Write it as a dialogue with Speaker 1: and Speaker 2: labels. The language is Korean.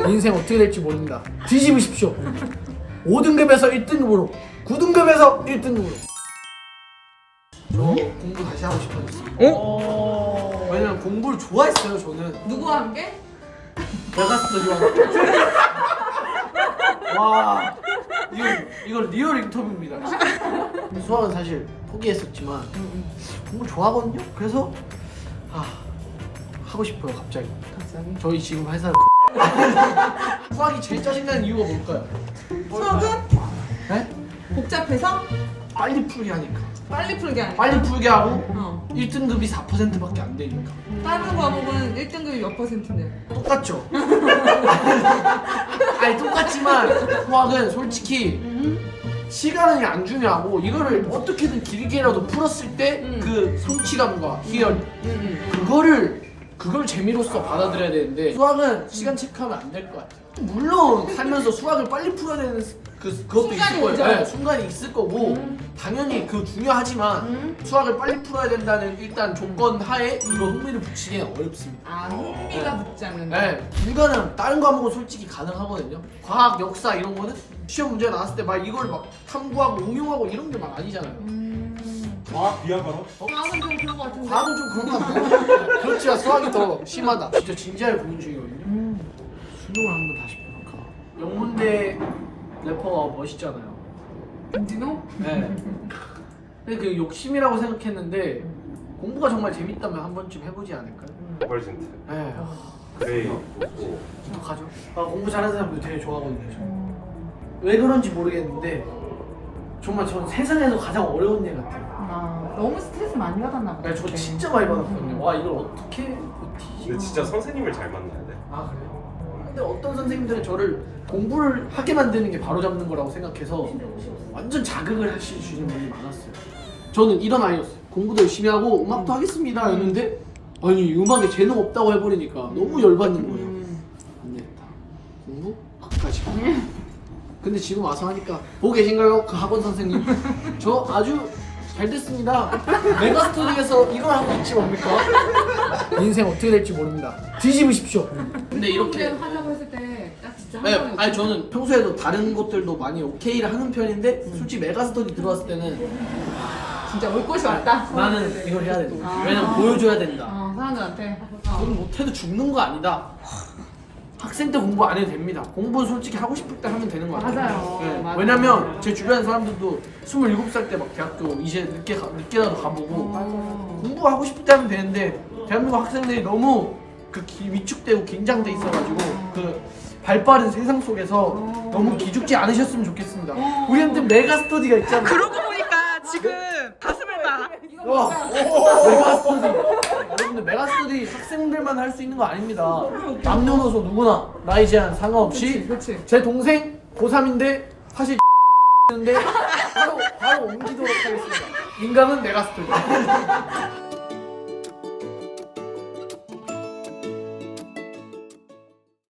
Speaker 1: 인생 어떻게 될지 모릅니다. 뒤집으십시오. 5등급에서 1등급으로 9등급에서 1등급으로. 저 공부 다시 하고 싶어졌어요. 왜냐면 공부를 좋아했어요. 저는
Speaker 2: 누구와 함께?
Speaker 1: 메가스터디와 와 이건 리얼 인터뷰입니다. 수학은 사실 포기했었지만 공부 좋아하거든요. 그래서 하고 싶어요. 갑자기. 저희 지금 회사를 수학이 제일 짜증나는 이유가 뭘까요?
Speaker 2: 수학은?
Speaker 1: 네?
Speaker 2: 복잡해서?
Speaker 1: 빨리 풀게 하니까.
Speaker 2: 빨리 풀게 하니까.
Speaker 1: 빨리 풀게 하고
Speaker 2: 어.
Speaker 1: 1등급이 4%밖에 안 되니까.
Speaker 2: 다른 과목은 1등급이 몇 %인데?
Speaker 1: 똑같죠? 아니 똑같지만 수학은 솔직히 시간이 안 중요하고 이거를 어떻게든 길게라도 풀었을 때 그 성취감과 희열 그걸 재미로서 받아들여야 되는데 수학은 시간 체크하면 안 될 것 같아요. 물론 살면서 수학을 빨리 풀어야 되는 그것도 있을
Speaker 2: 순간이
Speaker 1: 거예요.
Speaker 2: 오죠.
Speaker 1: 네, 순간이 있을 거고 당연히 그 중요하지만 수학을 빨리 풀어야 된다는 일단 조건 하에 이거 흥미를 붙이기는 어렵습니다.
Speaker 2: 아, 흥미가 붙지 않는다.
Speaker 1: 네, 불가능. 다른 과목은 솔직히 가능하거든요. 과학, 역사 이런 거는 시험 문제 나왔을 때 막 이걸 막 탐구하고 응용하고 이런 게 막 아니잖아요.
Speaker 3: 과학 비하가로?
Speaker 2: 과학은 좀 그런 거 같은데.
Speaker 1: 과학은 좀 그런 거 같아요. 그렇지만 수학이 더 심하다. 진짜 진지하게 고민 중이거든요. 수능을 한번 다시 볼까. 영문대 래퍼가 멋있잖아요.
Speaker 2: 김진호?
Speaker 1: 네. 근데 그 욕심이라고 생각했는데 공부가 정말 재밌다면 한 번쯤 해보지 않을까요?
Speaker 3: 버벌진트
Speaker 1: 네.
Speaker 3: 그레이
Speaker 1: 어떡하죠? 공부 잘하는 사람들 되게 좋아하거든요. 저. 왜 그런지 모르겠는데 정말 저는 세상에서 가장 어려운 일 같아요.
Speaker 2: 너무 스트레스 많이 받았나 보다.
Speaker 1: 네, 저 진짜 많이 받았거든요. 와 이걸 어떻게 버티지?
Speaker 3: 근데 진짜 선생님을 잘 만나야 돼.
Speaker 1: 아 그래요? 근데 어떤 선생님들은 저를 공부를 하게 만드는 게 바로 잡는 거라고 생각해서 완전 자극을 하시는 분이 많았어요. 저는 이런 아이였어요. 공부도 열심히 하고 음악도 하겠습니다 였는데 아니 음악에 재능 없다고 해버리니까 너무 열받는 거예요. 안 되겠다. 공부? 끝까지. 근데 지금 와서 하니까 보고 계신가요? 그 학원 선생님 저 아주 잘 됐습니다. 메가스터디에서 이걸 하고 있지 뭡니까? 인생 어떻게 될지 모릅니다. 뒤집으십시오. 근데 이렇게
Speaker 2: 하려고 했을 때 딱 진짜 한
Speaker 1: 네,
Speaker 2: 번에
Speaker 1: 아니 저는 평소에도 다른 것들도 많이 오케이를 하는 편인데 솔직히 메가스터디 들어왔을 때는
Speaker 2: 진짜 올 곳이 왔다.
Speaker 1: 나는 이걸 해야 된다. 왜냐면 보여줘야 된다.
Speaker 2: 사람들한테.
Speaker 1: 돈 못해도 죽는 거 아니다. 학생 때 공부 안 해도 됩니다. 공부는 솔직히 하고 싶을 때 하면 되는 거 같아요.
Speaker 2: 맞아요.
Speaker 1: 네,
Speaker 2: 맞아요.
Speaker 1: 왜냐면 제 주변 사람들도 27살 때 막 대학교 이제 늦게라도 가보고 공부하고 싶을 때 하면 되는데 대한민국 학생들이 너무 위축되고 긴장돼 있어가지고 그 발빠른 세상 속에서 너무 기죽지 않으셨으면 좋겠습니다. 우리한테 메가스터디가 있잖아요.
Speaker 4: 그러고 보니까 지금 가슴을 봐.
Speaker 1: 메가스터디. 여러분들 메가스터디 학생들만 할 수 있는 거 아닙니다. 남녀노소 누구나 나이 제한 상관없이
Speaker 2: 그치.
Speaker 1: 제 동생 고3인데 사실 인데 바로 옮기도록 하겠습니다. 인간은 메가스터디.